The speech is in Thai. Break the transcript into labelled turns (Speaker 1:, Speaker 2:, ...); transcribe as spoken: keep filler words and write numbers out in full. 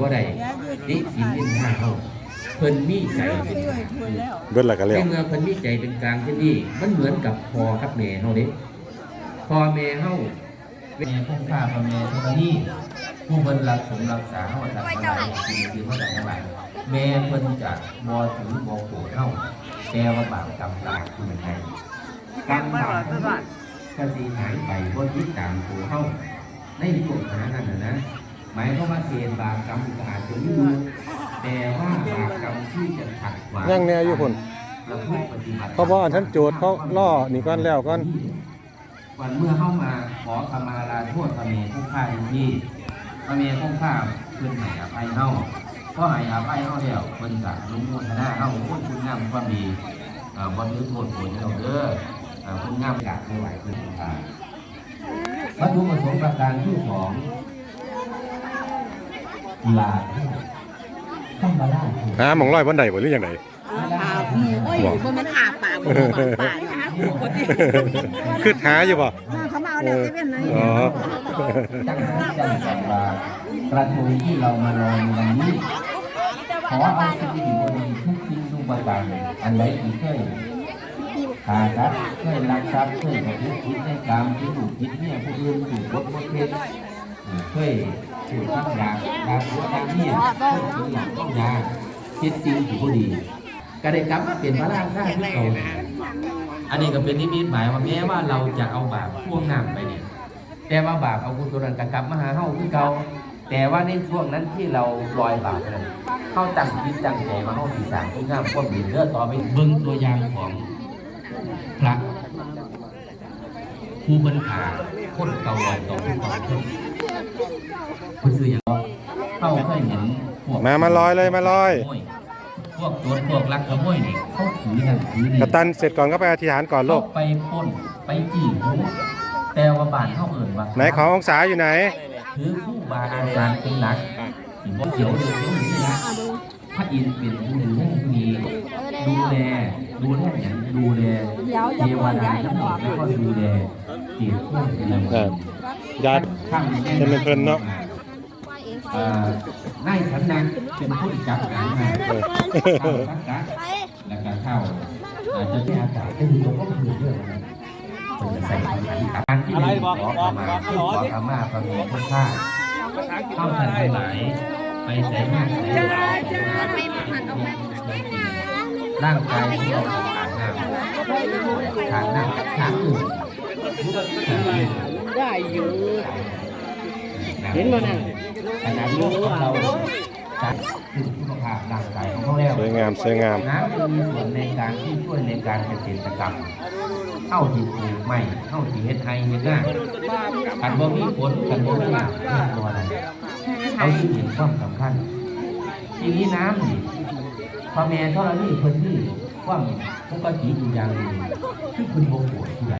Speaker 1: บ่ได้ดิสินนินทาเฮาเพิ่นมีใจเป็นกลาง
Speaker 2: เบิดละก็แล้ว
Speaker 1: ในเมื่อเพิ่นมีใจเป็นกลางเช่นนี้มันเหมือนกับพ่อกับแม่เฮาเด้พ่อแม่เฮาแม่คงค่าพ่อแม่เท่านี้ผู้เพิ่นรักสมรักษาเฮาทำอะไรสิ่งที่เฮาได้ทั้งหลายแม่เพิ่นจะบ่ถือบ่โกรธเฮาแต่ว่าบาปกรรมตามคุณให้กรรมบาปก็สิหายไปบ่ติดตามตัวเฮาในพวกหานั่นน่ะนะหมายความว่าเศษบาปกรรมก็อาจจะมีอยู่แต่ว่าบาปกรรมที่จะขัดขวาง
Speaker 2: ยังแน่อยู่พุ่นเพราะว่าท่านโจทย์เขาล่อนี่ก่อนแล้วก่อน
Speaker 1: วันเมื่อเข้ามาขอขมาลาโทษพระเมรุผู้ฆ่าที่พระเมรุผู้ฆ่าเพิ่นให้อภัยเฮาเพราะให้อภัยเฮาแล้วเพิ่นจะลงโมทนาเฮาคนคุณงามความดีเอ่อบ่ถือโทษโกรธเราเด้อเอ่อคุณงามอยากไม่ไหวเพิ่นอ่าวัตถุประสงค์ประการที่สองลาต้องมาล่า
Speaker 2: หาหม่องร้อยบ่ได้บ่หรือจังได๋
Speaker 3: หาหมูโอ้ยบ่แม่นหาป่าบ่บ่ป่าหาหมูบ่ติ
Speaker 2: คือหาอยู่บ่
Speaker 3: เขามาเอาแล้วเซเว่นเลย
Speaker 2: อ๋อ
Speaker 1: ตั้งใจสัมบากระทงที่เรามาลอยในวันนี้ขอเอาสิ่งที่ดีทุกสิ่งทุกประการอันใดที่เคยขาดครับเคยรักทรัพย์เคยประพฤติผิดในกรรมที่ถูกผิดเนี่ยผู้อื่นถูกกดบ่เฮ็ดเคยถูกทำยาดาหัวดาเนี่ยเคยถูกหลังต้องยาเฮ็ดสิ่งที่บ่ดีก็ได้กลับมาเป็นพระราชาที่เก่าอันนี้ก็เป็นนิมิตหมายว่าแม้ว่าเราจะเอาบาปพ่วงน้ำไปเนี่ยแต่ว่าบาปเอากุศลกลับมาหาเฮาคือเก่าแต่ว่าในช่วงนั้นที่เราลอยบาปนั้นเฮาตั้งจิตตั้งใจมาเฮาสิสร้างคุณงามความดีเด้อต่อไปเบิ่งตัวอย่างของพระผู้บรรพาคนเก่าลอยต่อผู้เก่าคนผู้ซื้ออย่างเฮาเคยเห็นพวก
Speaker 2: มามาลอยเลยมาลอย
Speaker 1: พวกโจรพวกลักขโมยนี่เขาถือนั่นถือนี่
Speaker 2: กระตันเสร็จก่อนก็ไปอธิษฐานก่อนลูก
Speaker 1: ไปปล้นไปจี้แต่ว่าบ้านเขาเอิ่นว่า
Speaker 2: ไหนขององศาอยู่ไหน
Speaker 1: ถือผู้บาอาจารย์เป็นหลักที่บ่เขียวเดือดร้อนนี่นะพระอินทร์เป็นผู้หนึ่งที่มีดูแลดูแลอย่างดูแลเทวดาทั้งหมดแล้วก็ดูแลเกี่ยวกับเป็นอะไร
Speaker 2: ญาติจะเป็นเพิ่นเนาะ
Speaker 1: นายสันนันเป็นผู้จับงานมาเข้าสังกัดแล้วก็เข้าอาจจะที่อากาศที่ดูก็คือเรื่องอะไรเป็นใส่การที่มีขอขมาขอขมาพระเมรุผู้ฆ่าเข้าทันไปไหนไปใส่มากใส่หลายร่างกายที่เราขาดน้ำขาดน้ำขาดอื่น
Speaker 3: ได้อยู่เห็นมั้ยน่ะ
Speaker 1: ขณะนี้เราจัดถึงสุขภาพร่างกายของเขาแล้ว
Speaker 2: สวยงามสวยงาม
Speaker 1: น้ำจะมีส่วนในการที่ช่วยในการเกษตรกรรมเข้าที่ปลูกไม้เข้าที่เฮ็ดไฮเฮ็ดหน้ากันบ่มีผลกันบ่มีน้ำตัวอะไรเอาที่เห็นความสำคัญทีนี้น้ำนี่พระแม่ธรณีเพิ่นนี่ความปกติอยู่อย่างหนึ่งที่เพิ่นบ่ปวดที่ใด